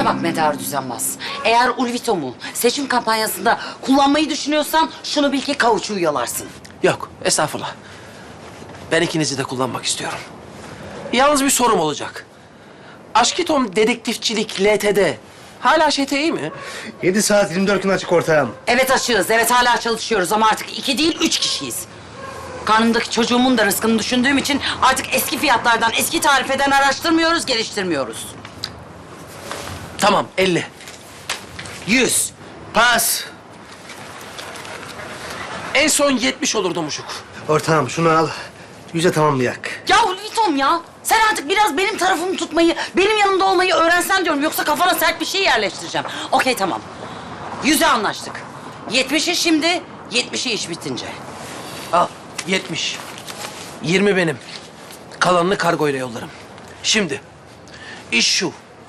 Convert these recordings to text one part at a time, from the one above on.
Bana bak Medar Düzenbaz. Eğer Ulvitom'u seçim kampanyasında kullanmayı düşünüyorsan şunu bil ki kauçuğu yalarsın. Yok, estağfurullah. Ben ikinizi de kullanmak istiyorum. Yalnız bir sorum olacak. Aşkitom Dedektifçilik LTD hala ŞTİ mi? 7 saat 24 gün açık ortağım. Evet açığız, evet hala çalışıyoruz ama artık 2 değil 3 kişiyiz. Karnımdaki çocuğumun da rızkını düşündüğüm için artık eski fiyatlardan, eski tarifeden araştırmıyoruz, geliştirmiyoruz. Tamam, 50. 100. Pas. En son 70 olurdu Muşuk. Ortağım şunu al. 100'e tamamlayak. Ya Ulvitom ya, sen artık biraz benim tarafımı tutmayı, benim yanımda olmayı öğrensen diyorum. Yoksa kafana sert bir şey yerleştireceğim. Okey tamam. 100'e anlaştık. 70'i şimdi, 70'i iş bitince. Al, 70. 20 benim. Kalanını kargoyla yollarım. Şimdi, iş şu.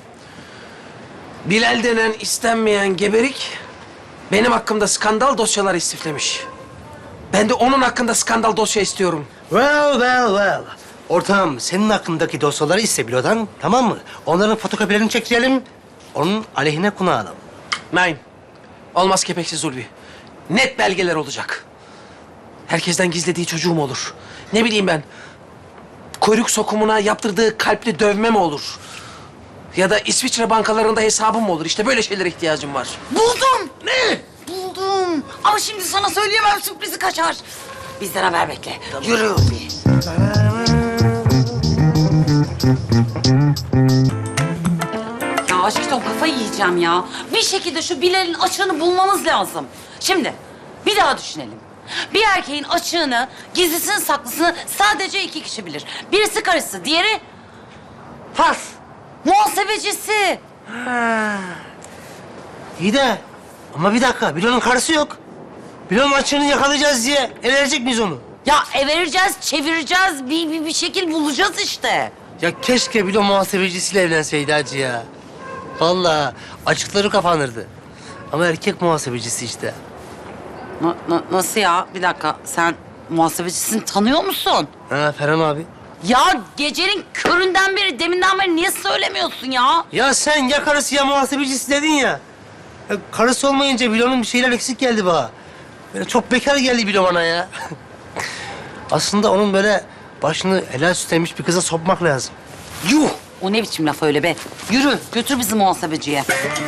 Bilal denen istenmeyen geberik benim hakkımda skandal dosyalar istiflemiş. Ben de onun hakkında skandal dosya istiyorum. Well. Ortağım senin hakkındaki dosyaları iste bilodan, tamam mı? Onların fotokopilerini çektirelim. Onun aleyhine kullanalım. Nein. Olmaz kepeksiz Ulvi. Net belgeler olacak. Herkesten gizlediği çocuğu mu olur? Ne bileyim ben. Kuyruk sokumuna yaptırdığı kalpli dövme mi olur? Ya da İsviçre bankalarında hesabım mı olur? İşte böyle şeylere ihtiyacım var. Buldum. Ne? Buldum. Ama şimdi sana söyleyemem, sürprizi kaçar. Bizden haber bekle. Yürü Ulvi. Ya aşkım kafayı yiyeceğim ya. Bir şekilde şu Bilal'in açığını bulmamız lazım. Şimdi bir daha düşünelim. Bir erkeğin açığını, gizlisini, saklısını sadece 2 kişi bilir. Birisi karısı, diğeri Pas. muhasebecisi. İyi de ama bir dakika, Bilo'nun karısı yok. Bilo'nun açığını yakalayacağız diye el verecek miyiz onu? Ya vereceğiz, çevireceğiz, bir şekil bulacağız işte. Ya keşke Bilo muhasebecisiyle evlenseydi hacı ya. Vallahi açıkları kapanırdı. Ama erkek muhasebecisi işte. Nasıl ya? Bir dakika, sen muhasebecisini tanıyor musun? Ha Ferhan abi. Ya gecenin köründen beri, deminden beri niye söylemiyorsun ya? Ya sen ya karısı ya muhasebecisi dedin ya. Ya karısı olmayınca Bilo'nun bir şeyler eksik geldi bana. Böyle çok bekar geldi Bilo bana ya. Aslında onun böyle başını helal süt emmiş bir kıza sokmak lazım. Yuh! O ne biçim laf öyle be? Yürü, götür bizi muhasebeciye.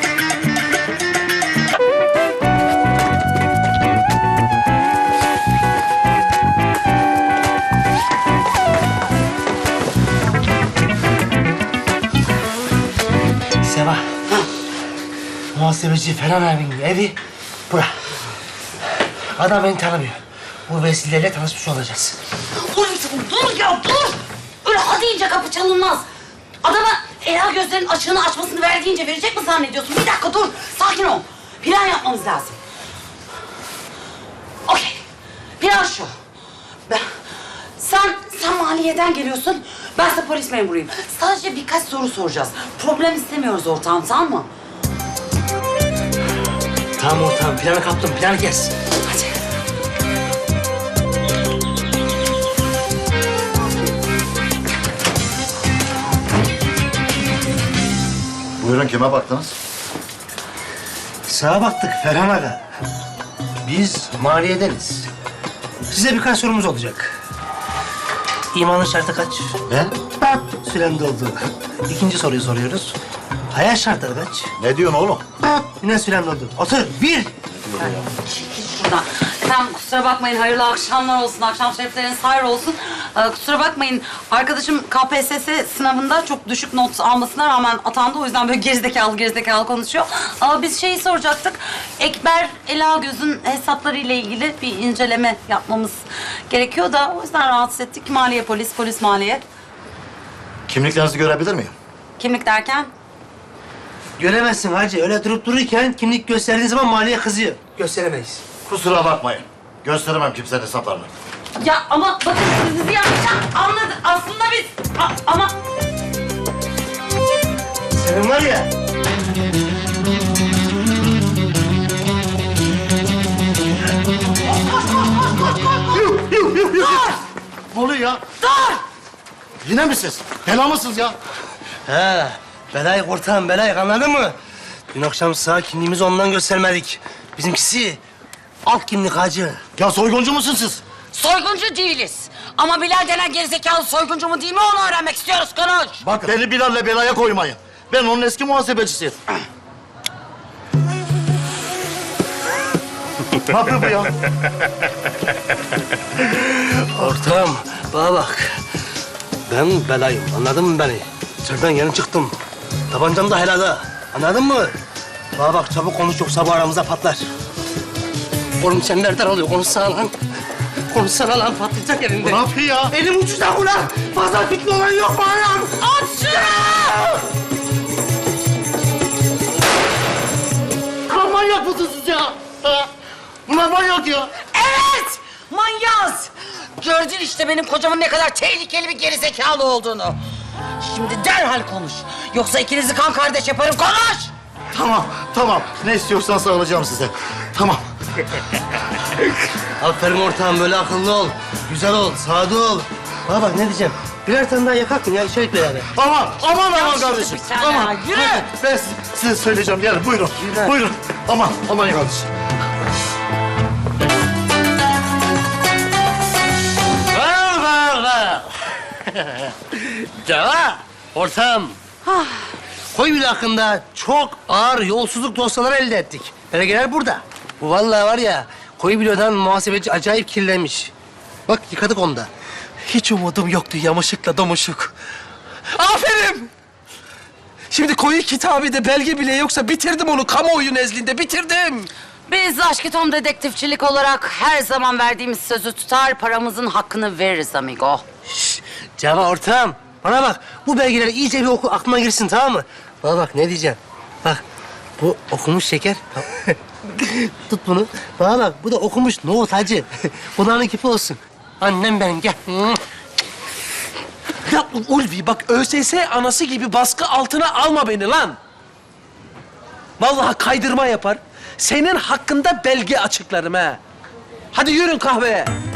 Seva. Muhasebeci Ferhan abinin evi bura. Adam beni tanımıyor. Bu vesileyle tanışmış olacağız. Dur ya, dur! Öyle ha deyince kapı çalınmaz. Adama Ela gözlerinin açığını açmasını ver deyince verecek mi zannediyorsun? Bir dakika dur, sakin ol. Plan yapmamız lazım. Okey, plan şu. Sen maliyeden geliyorsun, ben de polis memuruyum. Sadece birkaç soru soracağız. Problem istemiyoruz ortağım, tamam mı? Tamam ortağım, planı kaptım. Planı kes. Hadi. Buyurun kime baktınız? Sağa baktık Ferhan Aga. Biz maliyedeniz. Size birkaç sorumuz olacak. İmanın şartı kaç? Ne? Süren doldu. İkinci soruyu soruyoruz. Hayat şartları kaç? Ne diyorsun oğlum? Yine süren doldu. Otur. 1. Çekil şuradan. Efendim kusura bakmayın, hayırlı akşamlar olsun, akşam şerifleriniz hayır olsun. Kusura bakmayın, arkadaşım KPSS sınavında çok düşük not almasına rağmen atandı. O yüzden böyle gerizekalı konuşuyor. Biz şeyi soracaktık, Ekber Elagöz'ün hesapları ile ilgili bir inceleme yapmamız gerekiyor da... ...o yüzden rahatsız ettik. Maliye polis maliye. Kimliklerinizi görebilir miyim? Kimlik derken? Göremezsin hacı. Öyle durup dururken kimlik gösterdiğin zaman maliye kızıyor. Gösteremeyiz. Kusura bakmayın. Gösteremem kimsenin hesaplarını. Ya ama bakın siz bizi yanlış anladınız. Aslında biz... ama... Senin var ya. Ne oluyor ya? Dur! Yine mi siz? Bela mısınız ya? Ha, Belayık ortağım, belayık anladın mı? Dün akşam sağ kimliğimizi ondan göstermedik. Bizimkisi alt kimlik hacı. Ya soyguncu musun siz? Soyguncu değiliz. Ama Bilal denen gerizekalı soyguncu mu değil mi onu öğrenmek istiyoruz. Konuş. Bak beni Bilal'le belaya koymayın. Ben onun eski muhasebecisiyim. Ne yapıyor bu ya? Ortağım, bana bak. Ben belayım, anladın mı beni? İçeriden yeni çıktım. Tabancam da helada, anladın mı? Bana bak, çabuk konuş yoksa bu aramıza patlar. Oğlum sen nereden alıyor? Konuşsana lan. Konuşsana lan, patlayacak elinde. Ne yapıyor ya? Elim uçacak ulan. Fazla fitne olan yok mu ayağım? At şunu! Lan manyak mısınız siz ya? Ha? Bunlar manyak ya. Evet! Manyaz! Gördün işte benim kocamın ne kadar tehlikeli bir gerizekalı olduğunu. Şimdi derhal konuş. Yoksa ikinizi kan kardeş yaparım. Konuş! Tamam, tamam. Ne istiyorsan sağlayacağım size. Tamam. Aferin ortağım, böyle akıllı ol. Güzel ol, sade ol. Bana bak ne diyeceğim. Birer tane daha yakak mı ya? İçerik beraber. Aman kardeşim. bir tane Aman. ya, yürü. Hadi, ben size söyleyeceğim. Gelin buyurun. Yürü. Buyurun. Aman kardeşim. Var. Ceva, ortağım. Koybil hakkında çok ağır yolsuzluk dosyaları elde ettik. Belgeler burada. Bu vallahi var ya, Koybil'den muhasebeci acayip kirlenmiş. Bak yıkadık onu da. Hiç umudum yoktu yamışıkla domuşuk. Aferin! Şimdi koyu kitabede belge bile yoksa bitirdim onu kamuoyu nezdinde, bitirdim. Biz Aşkitom dedektifçilik olarak her zaman verdiğimiz sözü tutar, paramızın hakkını veririz amigo. Ceva ortağım, bana bak. Bu belgeleri iyice bir oku, aklına girsin tamam mı? Bana bak ne diyeceğim. Bak, bu okumuş şeker. Tut bunu. Bana bak, bu da okumuş nohut hacı. Bunların kipi olsun. Annem benim, gel. Ya Ulvi bak ÖSS anası gibi baskı altına alma beni lan. Vallahi kaydırma yapar. Senin hakkında belge açıklarım ha. Hadi yürün kahveye.